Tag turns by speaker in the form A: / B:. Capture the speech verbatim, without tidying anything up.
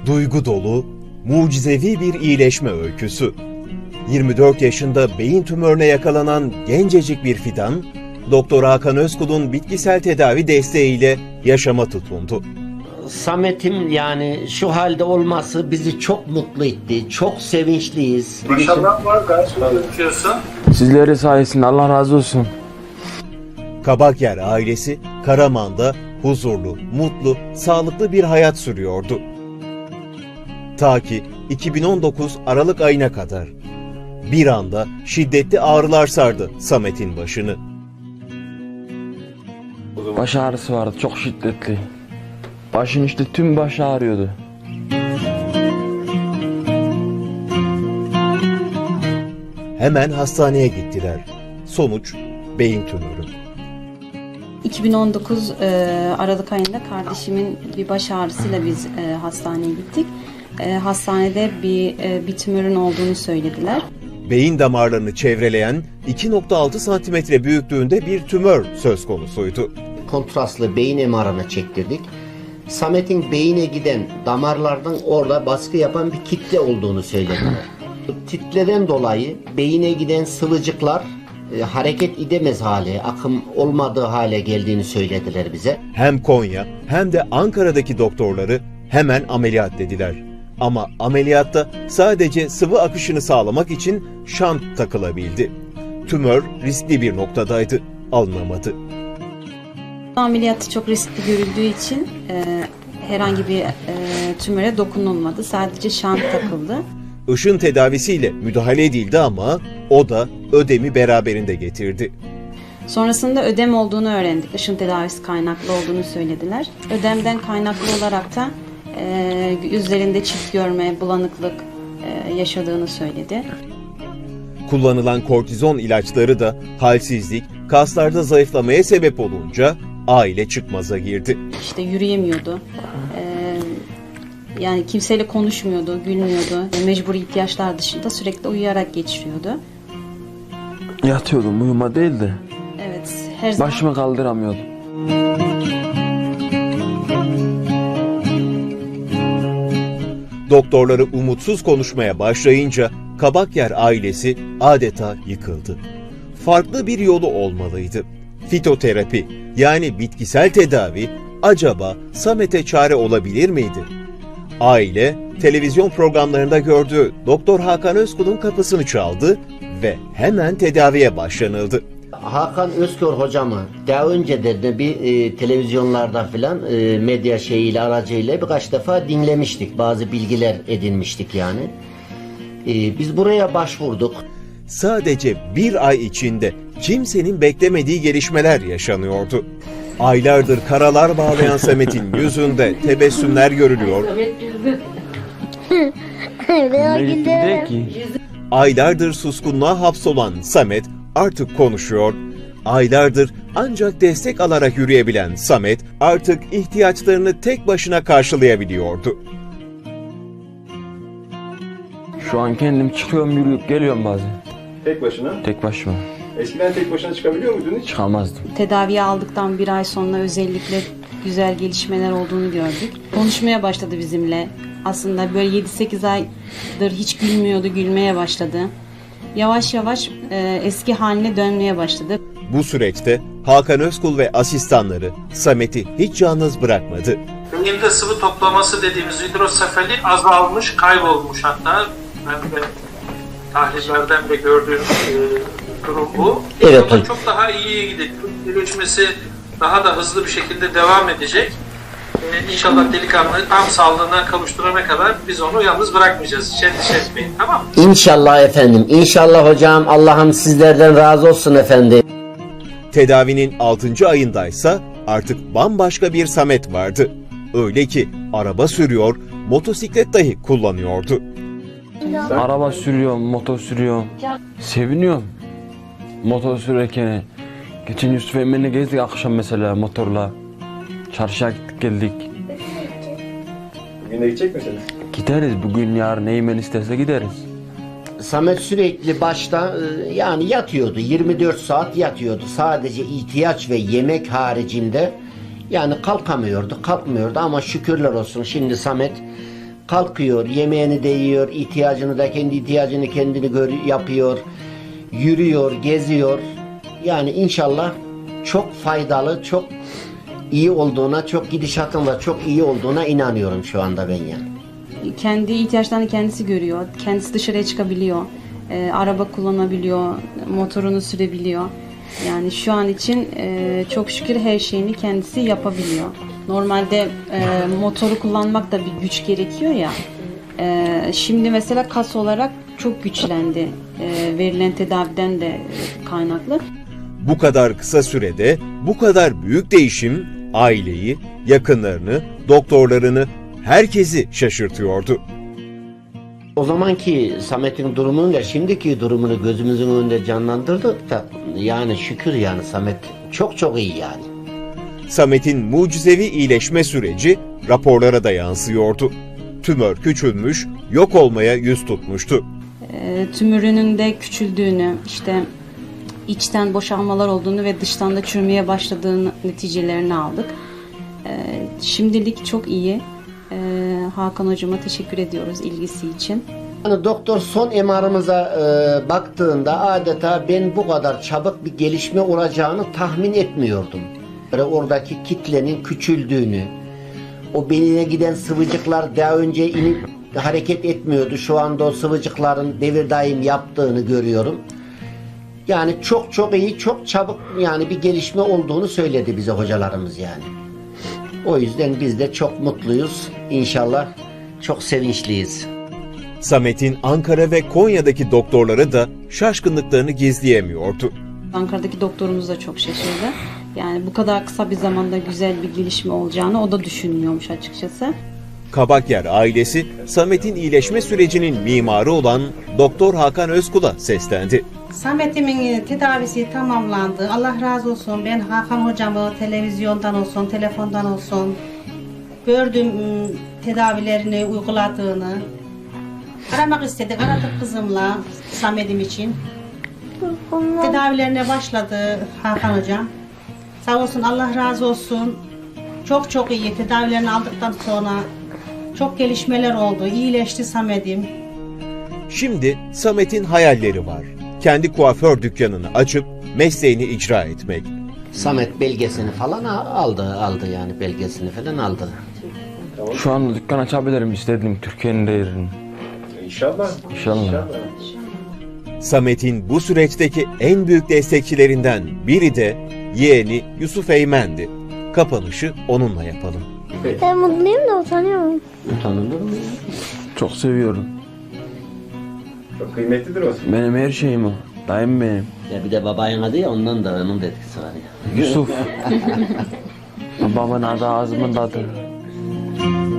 A: Duygu dolu, mucizevi bir iyileşme öyküsü. yirmi dört yaşında beyin tümörüne yakalanan gencecik bir fidan, Doktor Hakan Özkul'un bitkisel tedavi desteğiyle yaşama tutundu.
B: Samet'im yani şu halde olması bizi çok mutlu etti. Çok sevinçliyiz.
C: Maşallah var, gayet gözüküyorsun.
D: Sizleri sayesinde Allah razı olsun.
A: Kabakyer ailesi Karaman'da huzurlu, mutlu, sağlıklı bir hayat sürüyordu. Ta ki iki bin on dokuz Aralık ayına kadar. Bir anda şiddetli ağrılar sardı Samet'in başını.
D: Baş ağrısı vardı, çok şiddetli. Başın işte tüm baş ağrıyordu.
A: Hemen hastaneye gittiler. Sonuç beyin tümörü.
E: iki bin on dokuz e, Aralık ayında kardeşimin bir baş ağrısıyla biz e, hastaneye gittik. E, hastanede bir e, bir tümörün olduğunu söylediler.
A: Beyin damarlarını çevreleyen iki nokta altı santimetre büyüklüğünde bir tümör söz konusuydu.
B: Kontrastlı beyin M R'ını çektirdik. Samet'in beyine giden damarlardan orada baskı yapan bir kitle olduğunu söylediler. Titreden dolayı beyine giden sıvıcıklar e, hareket edemez hale, akım olmadığı hale geldiğini söylediler bize.
A: Hem Konya hem de Ankara'daki doktorları hemen ameliyat dediler. Ama ameliyatta sadece sıvı akışını sağlamak için şant takılabildi. Tümör riskli bir noktadaydı, alınamadı.
E: Ameliyatı çok riskli görüldüğü için e, herhangi bir e, tümöre dokunulmadı. Sadece şant takıldı.
A: Işın tedavisiyle müdahale edildi ama o da ödemi beraberinde getirdi.
E: Sonrasında ödem olduğunu öğrendik. Işın tedavisi kaynaklı olduğunu söylediler. Ödemden kaynaklı olarak da e, üzerinde çift görme, bulanıklık e, yaşadığını söyledi.
A: Kullanılan kortizon ilaçları da halsizlik, kaslarda zayıflamaya sebep olunca aile çıkmaza girdi.
E: İşte yürüyemiyordu. E, yani kimseyle konuşmuyordu, gülmüyordu. Mecburi ihtiyaçlar dışında sürekli uyuyarak geçiriyordu.
D: Yatıyordum, uyuma değil de.
E: Evet, her zaman...
D: Başımı kaldıramıyordum.
A: Doktorları umutsuz konuşmaya başlayınca Kabakyer ailesi adeta yıkıldı. Farklı bir yolu olmalıydı. Fitoterapi yani bitkisel tedavi acaba Samet'e çare olabilir miydi? Aile televizyon programlarında gördüğü Doktor Hakan Özkul'un kapısını çaldı ve hemen tedaviye başlanıldı.
B: Hakan Özkör hocamı daha önce de bir e, televizyonlarda filan e, medya şeyiyle aracıyla birkaç defa dinlemiştik. Bazı bilgiler edinmiştik yani. E, biz buraya başvurduk.
A: Sadece bir ay içinde kimsenin beklemediği gelişmeler yaşanıyordu. Aylardır karalar bağlayan Samet'in yüzünde tebessümler görülüyor.
D: Ne gitti ki?
A: Aylardır suskunluğa hapsolan Samet artık konuşuyor. Aylardır ancak destek alarak yürüyebilen Samet artık ihtiyaçlarını tek başına karşılayabiliyordu.
D: Şu an kendim çıkıyorum, yürüyüp geliyorum bazen.
C: Tek başına.
D: Tek başıma.
C: Eskiden tek başına çıkabiliyor muydun hiç?
D: Çıkamazdım.
E: Tedaviye aldıktan bir ay sonra özellikle güzel gelişmeler olduğunu gördük. Konuşmaya başladı bizimle. Aslında böyle yedi sekiz aydır hiç gülmüyordu, gülmeye başladı. Yavaş yavaş e, eski haline dönmeye başladı.
A: Bu süreçte Hakan Özkul ve asistanları Samet'i hiç yalnız bırakmadı.
C: Beyinde sıvı toplaması dediğimiz hidrosefali azalmış, kaybolmuş hatta. Ben de tahlillerden de gördüğüm e, durum bu.
B: Evet,
C: Ama
B: hocam.
C: çok daha iyiye gidecek. Gelişmesi daha da hızlı bir şekilde devam edecek. Ee, İnşallah delikanlıyı tam sağlığına kavuşturana kadar biz onu yalnız bırakmayacağız. Hiç endişe etmeyin, tamam mı?
B: İnşallah efendim. İnşallah hocam. Allah'ım sizlerden razı olsun efendim.
A: Tedavinin altıncı ayındaysa artık bambaşka bir Samet vardı. Öyle ki araba sürüyor, motosiklet dahi kullanıyordu.
D: Araba sürüyorum, motor sürüyorum. Seviniyorum. Motor sürerken. Geçen Yusuf Emre'yle gezdik akşam mesela motorla. Çarşıya gittik geldik.
C: Bugün de gidecek misiniz?
D: Gideriz bugün, yarın Eymen isterse gideriz.
B: Samet sürekli başta e, yani yatıyordu. yirmi dört saat yatıyordu. Sadece ihtiyaç ve yemek haricinde yani kalkamıyordu, kalkmıyordu ama şükürler olsun şimdi Samet kalkıyor, yemeğini de yiyor, ihtiyacını da kendi ihtiyacını kendini gör, yapıyor, yürüyor, geziyor. Yani inşallah çok faydalı, çok iyi olduğuna, çok gidişatın da çok iyi olduğuna inanıyorum şu anda ben yani.
E: Kendi ihtiyaçlarını kendisi görüyor. Kendisi dışarıya çıkabiliyor. E, araba kullanabiliyor. Motorunu sürebiliyor. Yani şu an için e, çok şükür her şeyini kendisi yapabiliyor. Normalde e, motoru kullanmak da bir güç gerekiyor ya. E, şimdi mesela kas olarak çok güçlendi. E, verilen tedaviden de kaynaklı.
A: Bu kadar kısa sürede bu kadar büyük değişim aileyi, yakınlarını, doktorlarını, herkesi şaşırtıyordu.
B: O zamanki Samet'in durumuyla şimdiki durumunu gözümüzün önünde canlandırdık da yani şükür yani Samet çok çok iyi yani.
A: Samet'in mucizevi iyileşme süreci raporlara da yansıyordu. Tümör küçülmüş, yok olmaya yüz tutmuştu.
E: E, tümörünün de küçüldüğünü, işte içten boşalmalar olduğunu ve dıştan da çürümeye başladığını neticelerini aldık. E, şimdilik çok iyi. E, Hakan hocama teşekkür ediyoruz ilgisi için.
B: Yani doktor son M R'ımıza e, baktığında adeta ben bu kadar çabuk bir gelişme olacağını tahmin etmiyordum. Böyle oradaki kitlenin küçüldüğünü, o beynine giden sıvıcıklar daha önce inip hareket etmiyordu. Şu anda o sıvıcıkların devir daim yaptığını görüyorum. Yani çok çok iyi, çok çabuk yani bir gelişme olduğunu söyledi bize hocalarımız yani. O yüzden biz de çok mutluyuz. İnşallah çok sevinçliyiz.
A: Samet'in Ankara ve Konya'daki doktorları da şaşkınlıklarını gizleyemiyordu.
E: Ankara'daki doktorumuz da çok şaşırdı. Yani bu kadar kısa bir zamanda güzel bir gelişme olacağını o da düşünmüyormuş açıkçası.
A: Kabakyer ailesi Samet'in iyileşme sürecinin mimarı olan Doktor Hakan Özkul'a seslendi.
F: Samet'imin tedavisi tamamlandı. Allah razı olsun. Ben Hakan hocamı televizyondan olsun, telefondan olsun gördüm tedavilerini uyguladığını. Aramak istedik. Aradık kızımla Samet'im için. Tedavilerine başladı Hakan hocam. Sağ olsun, Allah razı olsun. Çok çok iyi. Tedavilerini aldıktan sonra çok gelişmeler oldu. İyileşti Samet'im.
A: Şimdi Samet'in hayalleri var. Kendi kuaför dükkanını açıp mesleğini icra etmek.
B: Samet belgesini falan aldı, aldı yani belgesini falan aldı.
D: Şu anda dükkan açabilirim istedim Türkiye'nin değerini.
G: İnşallah.
D: İnşallah.
A: Samet'in bu süreçteki en büyük destekçilerinden biri de yeğeni Yusuf Eymen'di. Kapanışı onunla yapalım.
H: Ben mutluyum da utanıyorum.
B: Utanılır mı?
D: Çok seviyorum.
G: Çok kıymetlidir o.
D: Benim her şeyim o. Dayım benim.
B: Ya bir de babayın adı ya ondan da onun da etkisi var ya.
D: Yusuf. Babamın adı ağzımın tadı.